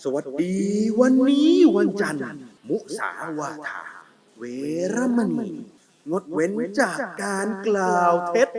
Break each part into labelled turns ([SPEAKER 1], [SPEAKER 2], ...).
[SPEAKER 1] สวัสดีวันนี้วันจันทร์มุสาวาทาเวรมณีงดเว้นจากการกล่าวเท็จ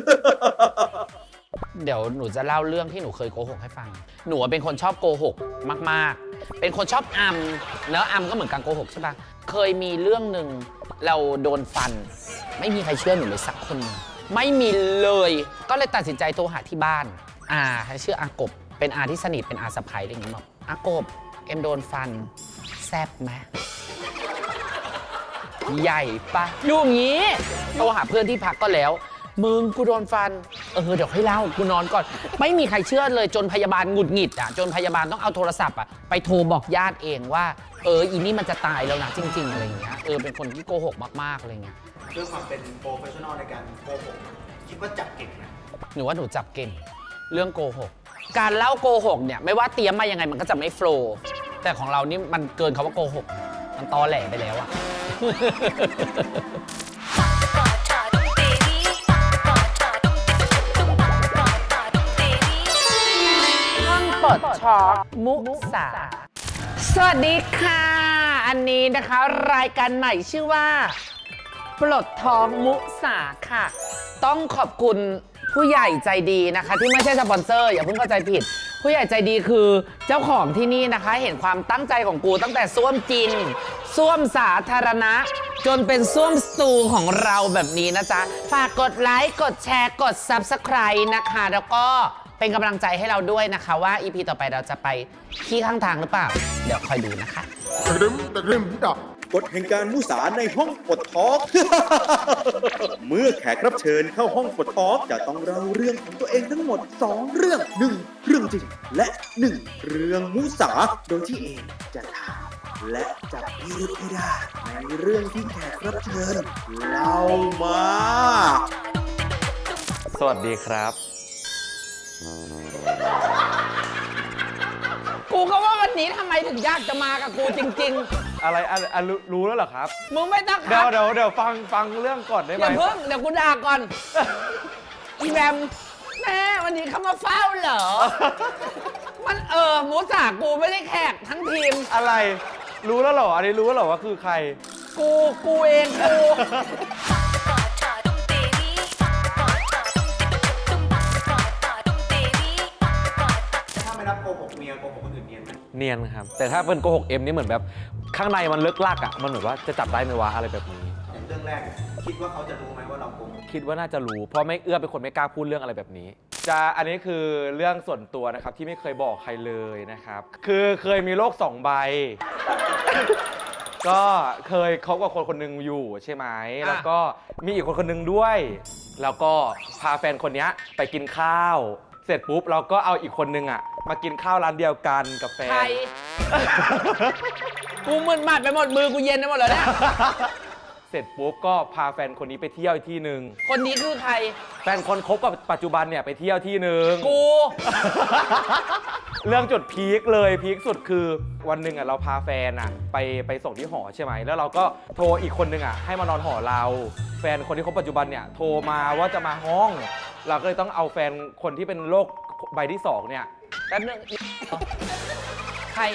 [SPEAKER 2] เดี๋ยวหนูจะเล่าเรื่องที่หนูเคยโกหกให้ฟัง หนูเป็นคนชอบโกหกมากๆ เป็นคนชอบอำเนอะอำก็เหมือนการโกหกใช่ปะเคยมีเรื่องหนึ่งเราโดนฟัน ไม่มีใครเชื่อหนูเลยสักคนนึงไม่มีเลย ก็เลยตัดสินใจโทรหาที่บ้านชื่ออากบเป็นอาที่สนิทเป็นอาสะใภ้อะไรอย่างเงี้ยบอกอากบเอ็มโดนฟันแซบไหมใหญ่ปะอยู่อย่างงี้โทรหาเพื่อนที่พักก็แล้วมึงกูโดนฟันเดี๋ยวให้เล่ากูนอนก่อนไม่มีใครเชื่อเลยจนพยาบาลหงุดหงิดจนพยาบาลต้องเอาโทรศัพท์ไปโทรบอกญาติเองว่าอีนี่มันจะตายแล้วนะจริงๆอะไรอย่างเงี้ยเป็นคนที่โกหกมากๆอะไรเงี้ย
[SPEAKER 3] ด้วยความเป็นโปรเฟชชั่นอลในการโกหกคิดว่าจับเก่งนะ
[SPEAKER 2] หนูว่าหนูจับเก่งเรื่องโกหกการเล่าโกหกเนี่ยไม่ว่าเตรียมมายังไงมันก็จะไม่โฟลว์แต่ของเรานี่มันเกินคำว่าโกหกมันตอแหลไปแล้วอะห้องปลดช็อกมุสาสวัสดีค่ะอันนี้นะคะรายการใหม่ชื่อว่าปลดท้องมุสาค่ะต้องขอบคุณผู้ใหญ่ใจดีนะคะที่ไม่ใช่สปอนเซอร์อย่าเพิ่งเข้าใจผิดผู้ใหญ่ใจดีคือเจ้าของที่นี่นะคะเห็นความตั้งใจของกูตั้งแต่ส้วมจริงส้วมสาธารณะจนเป็นส้วมสตูของเราแบบนี้นะจ๊ะฝากกดไลค์กดแชร์กด Subscribe นะคะแล้วก็เป็นกำลังใจให้เราด้วยนะคะว่า EP ต่อไปเราจะไปขี้ข้างทางหรือเปล่าเดี๋ยวคอยดูนะคะ
[SPEAKER 1] กฎแห่งการมุสาในห้องปลดทอล์ก เมื่อแขกรับเชิญเข้าห้องปลดทอล์กจะต้องเล่าเรื่องของตัวเองทั้งหมด2เรื่อง1เรื่องจริงและ1เรื่องมุสาโดยที่เองจะถามและจับพิรุธให้ได้ในเรื่องที่แขกรับเชิญเล่ามา
[SPEAKER 4] สวัสดีครับ
[SPEAKER 2] กูก็ว่าวันนี้ทำไมถึงอยากจะมากับกูจริง
[SPEAKER 4] อะไรรู้แล้วเหรอครับ
[SPEAKER 2] ๆมึงไม่ต้องค
[SPEAKER 4] เดี๋
[SPEAKER 2] รั
[SPEAKER 4] ย
[SPEAKER 2] บ
[SPEAKER 4] วฟังเรื่องก่อนได้ไหม
[SPEAKER 2] อย่าเพิ่งเดี๋ยวกูด่าก่อน อีแบมแม่วันนี้เขามาเฝ้าเหรอ มันหมูสากูไม่ได้แขกทั้งทีม
[SPEAKER 4] อะไรรู้แล้วเหรออันนี้รู้แล้วเหรอว่าคือใคร
[SPEAKER 2] กูเองกู
[SPEAKER 3] ถ้าไม่นับโกหกเมียโกหกคนอื่นเนียนไหม
[SPEAKER 4] เนียนครับแต่ถ้าเป็นโกหกเอ็มนี่เหมือนแบบข้างในมันลึกลักอ่ะมันเหมือนว่าจะจับได้ไหมวะอะไรแบบนี้
[SPEAKER 3] อย่างเรื่องแรกคิดว่าเขาจะรู้ไหมว่าเราโกหก
[SPEAKER 4] คิดว่าน่าจะรู้เพราะไม่เอื้อเป็นคนไม่กล้าพูดเรื่องอะไรแบบนี้อันนี้คือเรื่องส่วนตัวนะครับที่ไม่เคยบอกใครเลยนะครับคือเคยมีโรค2 ใบ ก็เคยคบกับคนหนึ่งอยู่ใช่ไหมแล้วก็มีอีกคนหนึ่งด้วยแล้วก็พาแฟนคนนี้ไปกินข้าวเสร็จปุ๊บเราก็เอาอีกคนนึงมากินข้าวร้านเดียวกันกับแฟน
[SPEAKER 2] ใคร กูมึนมัดไปหมดมือกูเย็นไปหมดแล้วเนี่ย
[SPEAKER 4] เสร็จปุ๊บก็พาแฟนคนนี้ไปเที่ยวอีกที่หนึ่ง
[SPEAKER 2] คนนี้คือใคร
[SPEAKER 4] แฟนคนคบกับปัจจุบันเนี่ยไปเที่ยวที่หนึ่ง
[SPEAKER 2] กู
[SPEAKER 4] เรื่องจุดพีคเลยพีคสุดคือวันหนึ่งเราพาแฟนไปส่งที่หอใช่ไหมแล้วเราก็โทรอีกคนนึงให้มานอนหอเราแฟนคนที่คบปัจจุบันเนี่ยโทรมาว่าจะมาห้องเราก็เลยต้องเอาแฟนคนที่เป็นโรคใบที่2เนี่ย
[SPEAKER 2] แป๊บนึงใคร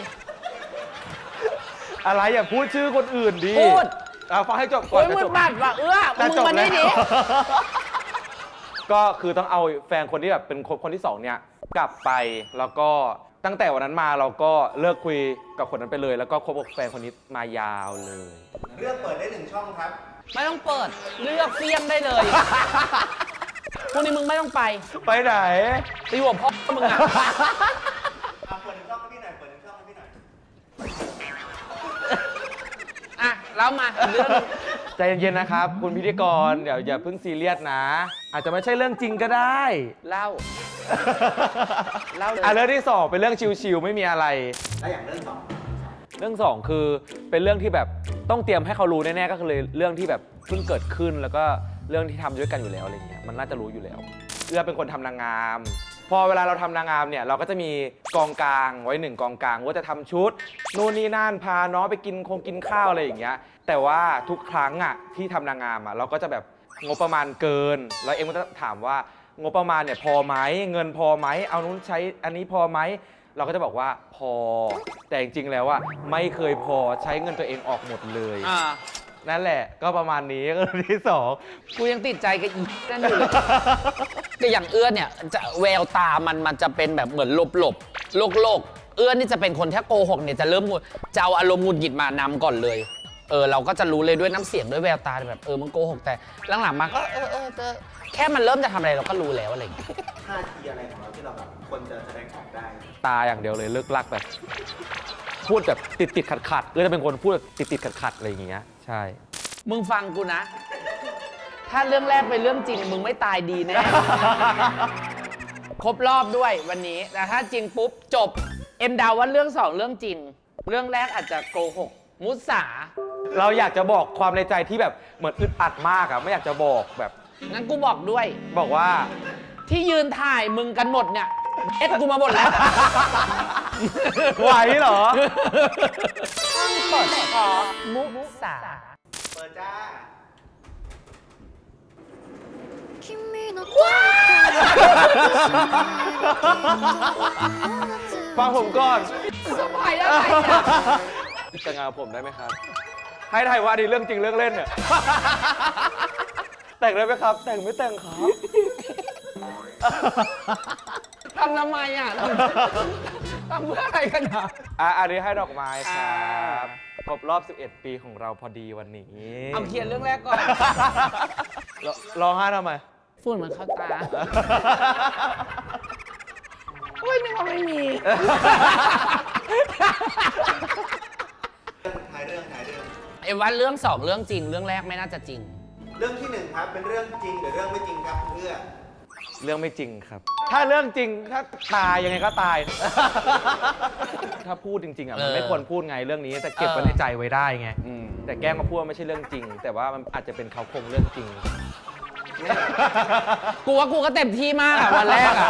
[SPEAKER 4] อะไรอย่าพูดชื่อคนอื่นดิ
[SPEAKER 2] พูด
[SPEAKER 4] ฟังให้จบก่อน
[SPEAKER 2] มึงบัดว่ะมึงมานี่ดิ
[SPEAKER 4] ก็คือต้องเอาแฟนคนที่แบบเป็นคนที่2เนี่ยกลับไปแล้วก็ตั้งแต่วันนั้นมาเราก็เลิกคุยกับคนนั้นไปเลยแล้วก็คบกับแฟนคนนี้มายาวเลย
[SPEAKER 3] เลือกเปิดได้1 ช่องครับ
[SPEAKER 2] ไม่ต้องเปิดเลือกเฟี้ยงได้เลยพวกนี้มึงไม่ต้องไป
[SPEAKER 4] ไหน
[SPEAKER 2] ตีหัวพ่อมึง
[SPEAKER 3] เปิด1 ช่องให้พี่หน่อยเปิด1 ช่องให้พี่หน่อย
[SPEAKER 2] แล้วมาเรื่อง
[SPEAKER 4] ใจเย็นๆนะครับคุณพิธีกรเดี๋ยวอย่าเพิ่งซีเรียสนะอาจจะไม่ใช่เรื่องจริงก็ได้
[SPEAKER 2] เล่าเลย
[SPEAKER 4] เรื่องที่2เป็นเรื่องชิวๆไม่มีอะไร
[SPEAKER 3] แล้วอย่างเรื่อง
[SPEAKER 4] 2คือเป็นเรื่องที่แบบต้องเตรียมให้เขารู้แน่ๆก็คือเรื่องที่แบบเพิ่งเกิดขึ้นแล้วก็เรื่องที่ทำด้วยกันอยู่แล้วอะไรเงี้ยมันน่าจะรู้อยู่แล้วเป็นคนทำนางงามพอเวลาเราทำนางงามเนี่ยเราก็จะมีกองกลางไว้1 กองกลางว่าจะทำชุดนู่นนี่นั่นพาน้องไปกินข้าวอะไรอย่างเงี้ยแต่ว่าทุกครั้งที่ทำนางงามเราก็จะแบบงบประมาณเกินแล้วเอ็มก็จะถามว่างบประมาณเนี่ยพอไหมเงินพอไหมเอานู้นใช้อันนี้พอไหมเราก็จะบอกว่าพอแต่จริงๆแล้วอะไม่เคยพอใช้เงินตัวเองออกหมดเลย นั่นแหละก็ประมาณนี้ก็เรื่องที่ 2
[SPEAKER 2] กูยังติดใจกับอีนั่นอยู่เลยแต่อย่างเอื้อเนี่ยจะแววตามันจะเป็นแบบเหมือนโลกเอื้อนี่จะเป็นคนถ้าโกหกเนี่ยจะเริ่มจะเอาอารมณ์หงุดหงิดมานำก่อนเลยเราก็จะรู้เลยด้วยน้ำเสียงด้วยแววตาแบบมึงโกหกแต่หลังๆมาก็แค่มันเริ่มจะทำอะไรเราก็รู้แล้วอะไรอย่างเงี้ย
[SPEAKER 3] ท่าทีอะไรของเราที่เราแบบคนจะแสดงออกได้
[SPEAKER 4] ตาอย่างเดียวเลยเลิกลักแบบ พูดแบบติดขัดจะเป็นคนพูดแบบติดขัดอะไรอย่างเงี้ยใช่
[SPEAKER 2] มึงฟังกูนะ ถ้าเรื่องแรกเป็นเรื่องจริงมึงไม่ตายดีแน่ ครบรอบด้วยวันนี้แต่ถ้าจริงปุ๊บจบเอ็มเดาว่าเรื่อง2เรื่องจริง เรื่องแรกอาจจะโกหกมุสา
[SPEAKER 4] เราอยากจะบอกความในใจที่แบบเหมือนอึดอัดมากอะไม่อยากจะบอกแบบ
[SPEAKER 2] งั้นกูบอกด้วย
[SPEAKER 4] บอกว่า
[SPEAKER 2] ที่ยืนถ่ายมึงกันหมดเนี่ยกูมาหมดแล้ว
[SPEAKER 4] ไหวเหรอ
[SPEAKER 2] ต้องเปิดขอมุสา
[SPEAKER 3] เปิดจ้า
[SPEAKER 4] ฟังผมก่อน
[SPEAKER 2] สมัยอะไรอ่ะ
[SPEAKER 4] แต่งงานกับผมได้ไหมครับ ให้ถ่ายว่าดีเรื่องจริงเรื่องเล่นเนี่ย แต่งได้ไหมครับ แต่งไม่แต่งครับ
[SPEAKER 2] ทำไมอ่ะทำเพื่ออะไรกันอ่ะ
[SPEAKER 4] อันนี้ให้ดอกไม้ครับครบรอบ 11 ปีของเราพอดีวันนี้
[SPEAKER 2] เอาเขียนเรื่องแรกก่อน
[SPEAKER 4] ร้องไห้ทำไม
[SPEAKER 2] ฝุ่นมันเข้าตาโอ้ยนึกว่าไม่มี
[SPEAKER 3] ถ่ายเรื่อง
[SPEAKER 2] เอ็มว่าเรื่อง2เรื่องจริง เรื่องแรกไม่น่าจะจริง
[SPEAKER 3] เรื่องที่1ครับ เป็นเรื่องจริงหรือเรื่องไม่จริงครับเพื่อ
[SPEAKER 4] เรื่องไม่จริงครับ ถ้าเรื่องจริงถ้าตายยังไงก็ตาย ถ้าพูดจริงๆอ่ะมันไม่ควรพูดไงเรื่องนี้แต่เก็บไว้ในใจไว้ได้ไงแต่แกล้งมาพูดว่าไม่ใช่เรื่องจริง แต่ว่ามันอาจจะเป็นเขาโครงเรื่องจริง
[SPEAKER 2] กูว่ากูก็เต็มที่มากอะวันแรกอะ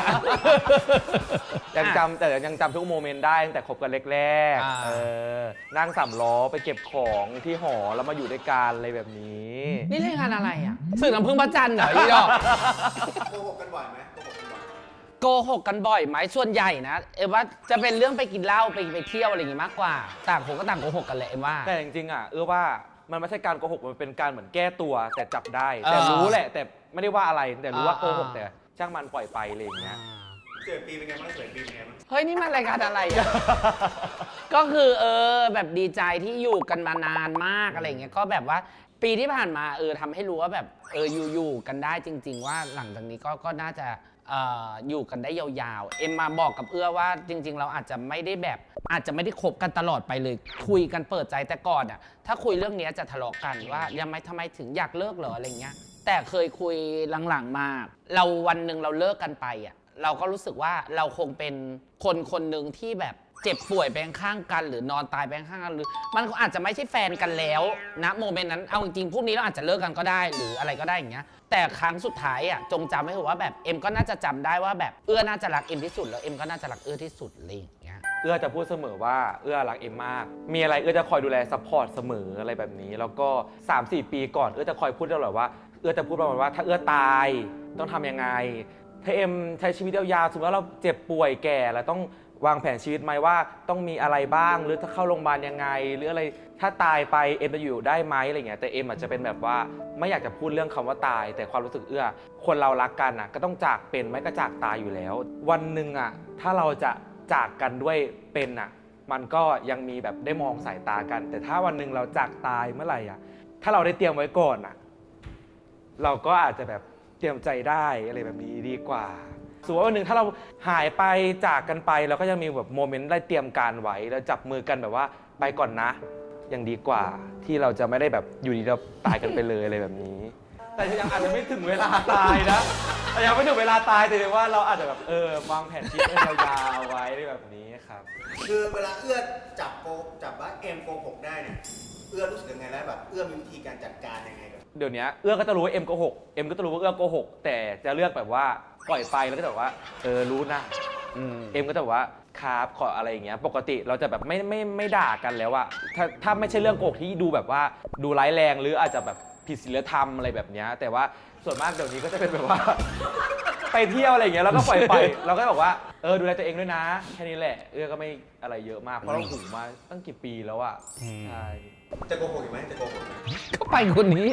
[SPEAKER 4] ยังจำทุกโมเมนต์ได้ตั้งแต่คบกันแรก
[SPEAKER 2] อ่า
[SPEAKER 4] ๆนั่ง3 ล้อไปเก็บของที่หอแล้วมาอยู่ด้วยกันอะไรแบบนี้
[SPEAKER 2] นี่เรื่องงานอะไรอะสื่อน้ำพึ่งพระจันทร์เหรออีดอก
[SPEAKER 3] โกหกกันบ่อยไหมโกหกกันบ่อย
[SPEAKER 2] โกหกกันบ่อยไหมส่วนใหญ่นะ เอ็มว่าจะเป็นเรื่องไปกินเหล้าไปเที่ยวอะไรอย่างงี้มากกว่า ต่างคนก็ต่างโกหกกันแหละเอ็มว่า
[SPEAKER 4] แต่จริงๆอ่ะว่ามันไม่ใช่การโกหกมันเป็นการเหมือนแก้ตัวแต่จับได้ แต่รู้แหละ แต่ไม่ได้ว่าอะไรแต่รู้ว่าโกหกแต่ช่างมันปล่อยไปอะไรอย่างเงี้ย
[SPEAKER 3] 11 ปีเป็นไงบ้าง11 ปีเป็นไงบ้าง
[SPEAKER 2] เฮ้ยนี่มันรายการอะไรอะ ก็คือแบบดีใจที่อยู่กันมานานมากอะไรอย่างเงี้ยก็แบบว่าปีที่ผ่านมาทำให้รู้ว่าแบบอยู่กันได้จริง ๆ ว่าหลังจากนี้ก็น่าจะอยู่กันได้ยาวๆเอ็มมาบอกกับเอื้อว่าจริง ๆ เราอาจจะไม่ได้คบกันตลอดไปเลยคุยกันเปิดใจแต่ก่อนอ่ะถ้าคุยเรื่องนี้จะทะเลาะกันว่ายังไม่ทำไมถึงอยากเลิกเหรออะไรเงี้ยแต่เคยคุยหลังๆมาเราวันหนึ่งเราเลิกกันไปอ่ะเราก็รู้สึกว่าเราคงเป็นคนหนึ่งที่แบบเจ็บป่วยไปข้างกันหรือนอนตายไปข้างกันหรือมันอาจจะไม่ใช่แฟนกันแล้วนะโมเมนต์นั้นเอาจริงๆพวกนี้เราอาจจะเลิกกันก็ได้หรืออะไรก็ได้อย่างเงี้ยแต่ครั้งสุดท้ายอ่ะจงจำไว้เถอะว่าแบบเอ็มก็น่าจะจำได้ว่าแบบเอื้อน่าจะรักเอ็มที่สุดแล้วเอ็มก็น่าจะรักเอื้อที่สุดอะไรอย่างเงี้ย
[SPEAKER 4] เอื้อจะพูดเสมอว่าเอื้อรักเอ็มมากมีอะไรเอื้อจะคอยดูแลซัพพอร์ตเสมออะไรแบบนี้แล้วก็ 3-4 ปีก่อนเอื้อจะคอยพูดตลอดว่าเอื้อจะพูดประมาณว่าถ้าเอื้อตายต้องทำยังไงถ้าเอ็มใช้ชีวิตยาวๆสมมติว่าเราเจ็บป่วยแก่แล้วต้องวางแผนชีวิตไหมว่าต้องมีอะไรบ้างหรือถ้าเข้าโรงพยาบาลยังไงหรืออะไรถ้าตายไปเอ็มจะอยู่ได้ไหมอะไรเงี้ยแต่เอ็มอาจจะเป็นแบบว่าไม่อยากจะพูดเรื่องคำว่าตายแต่ความรู้สึกเอื้อคนเรารักกันอ่ะก็ต้องจากเป็นไม่ก็จากตายอยู่แล้ววันหนึ่งอ่ะถ้าเราจะจากกันด้วยเป็นอ่ะมันก็ยังมีแบบได้มองสายตากัน แต่ถ้าวันหนึ่งเราจากตายเมื่อไหร่อ่ะถ้าเราได้เตรียมไว้ก่อนอ่ะเราก็อาจจะแบบเตรียมใจได้อะไรแบบนี้ดีกว่าสมมติว่าวันหนึ่งถ้าเราหายไปจากกันไปเราก็จะมีแบบโมเมนต์ได้เตรียมการไว้แล้วจับมือกันแบบว่าไปก่อนนะยังดีกว่าที่เราจะไม่ได้แบบอยู่ดีเราตายกันไปเลยอะไรแบบนี้ แต่ยังอาจจะไม่ถึงเวลาตายนะแต่ยังไม่ถึงเวลาตายแต่ว่าเราอาจจะแบบวางแผนชีวิตยาวๆไว้แบบนี้ครับ
[SPEAKER 3] คือเวลาเอื้อจับว่าเอ็มโกหกได้เนี่ยเอื้อรู้สึกยังไงแล้วแบบเอื้อมีวิธีการจัดการยังไงกับ
[SPEAKER 4] เดี๋ยวนี้เอื้อก็จะรู้ว่าเอ็มโกหกเอ็มก็จะรู้ว่าเอื้อโกหกแต่จะเลือกแบบว่าปล่อยไปแล้วก็จะแบบว่ารู้นะเอ็มก็จะแบบว่าครับขออะไรอย่างเงี้ยปกติเราจะแบบไม่ด่ากันแล้วอะถ้าไม่ใช่เรื่องโกหกที่ดูแบบว่าดูร้ายแรงหรืออาจจะแบบผิดศีลธรรมอะไรแบบเนี้ยแต่ว่าส่วนมากเดี๋ยวนี้ก็จะเป็นแบบว่าไปเที่ยวอะไรอย่างเงี้ยแล้วก็ปล่อยไปเราก็บอกว่าดูแลตัวเองด้วยนะแค่นี้แหละเอื้อก็ไม่อะไรเยอะมากเพราะเราหูมาตั้งกี่ปีแล้วอะใช่
[SPEAKER 3] จะโกหกอีกไหมจะโกหกไหม
[SPEAKER 2] ก็ไปคนนี้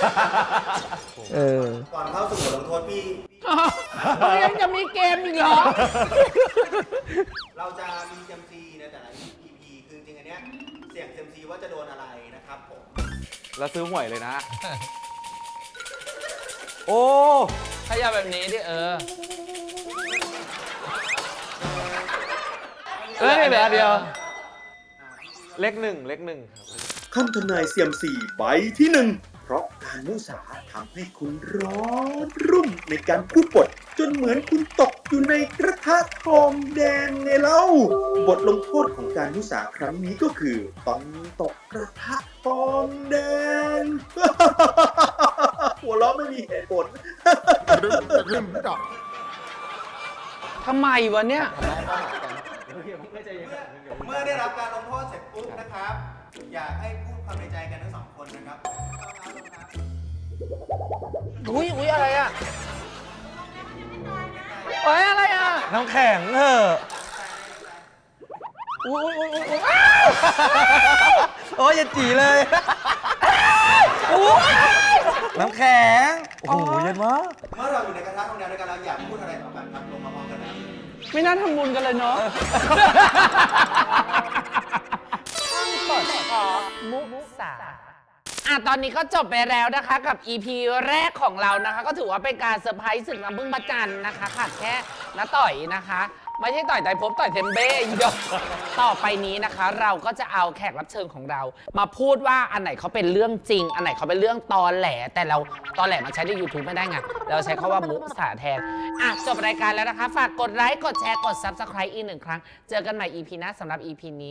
[SPEAKER 3] ก่อนเข้าสู่บทลงโทษพี่
[SPEAKER 2] ยังจะมีเกมอีกเหรอ
[SPEAKER 3] เราจะมีเซมซีในแต่ละ EP คือจริงๆอันเนี้ยเสี่ยงเซมซีว่าจะโดนอะไรนะครับผม
[SPEAKER 4] แล้วซื้อหวยเลยนะ โอ้
[SPEAKER 2] ถ้าอย่าแบบนี้ดิเหลือเดียว
[SPEAKER 4] เลขหนึ่งครับ
[SPEAKER 1] คำทำนายเซียมซีใบที่ 1 เพราะการมุสาทำให้คุณร้อนรุ่มในการพูดบทจนเหมือนคุณตกอยู่ในกระทะทองแดงไงเล่า บทลงโทษของการมุสาครั้งนี้ก็คือต้องตกกระทะทองแดง หัวเราะไม่มีเหตุผล
[SPEAKER 2] ทำไมวะเนี่ย
[SPEAKER 3] เมื่อได้รับการลงโทษเสร็จปุ๊บนะครับ อยากให้พูดความในใจกันทั้งสองคนนะครับเอาครับ
[SPEAKER 2] อุ้ยอะไรอ่ะอะไรอ่ะ
[SPEAKER 4] น้ำแข็ง
[SPEAKER 2] อุ้ย
[SPEAKER 4] โอ้ยอย่าจีเลย น้ำแข็ง โอ้โหเย็นมาก
[SPEAKER 3] เมื่อเราอยู่ในกระทะทองแดงด้วยกันแล้วอยากพูดอะไรต่อกันครับลงมาพร้อมกันนะ
[SPEAKER 2] ไม่น่าทำบุญกันเลยเนาะปลดช็อกมุสาตอนนี้ก็จบไปแล้วนะคะกับ EP แรกของเรานะคะ ก็ถือว่าเป็นการเซอร์ไพรส์ศึกน้ำพึ่งพระจันทร์นะคะขาดแค่น้าต่อยนะคะ ไม่ใช่ต่อยไตรภพต่อยเทมเบ้อีดอกต่อไปนี้นะคะ เราก็จะเอาแขกรับเชิญของเรา มาพูดว่าอันไหนเขาเป็นเรื่องจริง อันไหนเขาเป็นเรื่องตอแหล แต่เราตอแหลมาใช้ใน YouTube ไม่ได้ไงเราใช้คำว่ามุสาแทนจบรายการแล้วนะคะ ฝากกดไลค์กดแชร์กด Subscribe อีก1 ครั้งเจอกันใหม่ EP หน้าสำหรับ EP นี้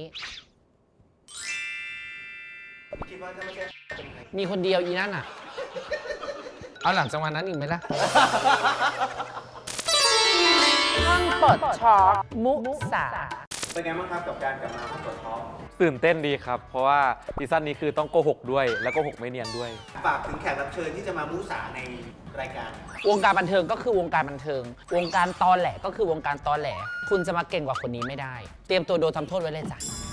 [SPEAKER 3] คิดว่าถ้าไม่ใช่เป็นใคร
[SPEAKER 2] มีคนเดียวอีนั่นอ่ะ เอาหลังจากวันนั้นอีกไหมล่ะ ห้องปลดช็อกมุสา
[SPEAKER 3] เป็นไงบ้างครับกับการกลับมาห้องปลดท็อก
[SPEAKER 4] ตื่นเต้นดีครับ เพราะว่าซีซั่นนี้คือต้องโกหกด้วย แล้วโกหกไม่เนียนด้วย
[SPEAKER 3] ฝากถึงแขกรับเชิญที่จะมามุสาในรายการ
[SPEAKER 2] วงการบันเทิงก็คือวงการบันเทิง วงการตอแหลก็คือวงการตอแหล คุณจะมาเก่งกว่าคนนี้ไม่ได้ เตรียมตัวโดนทำโทษไว้เลยจ้ะ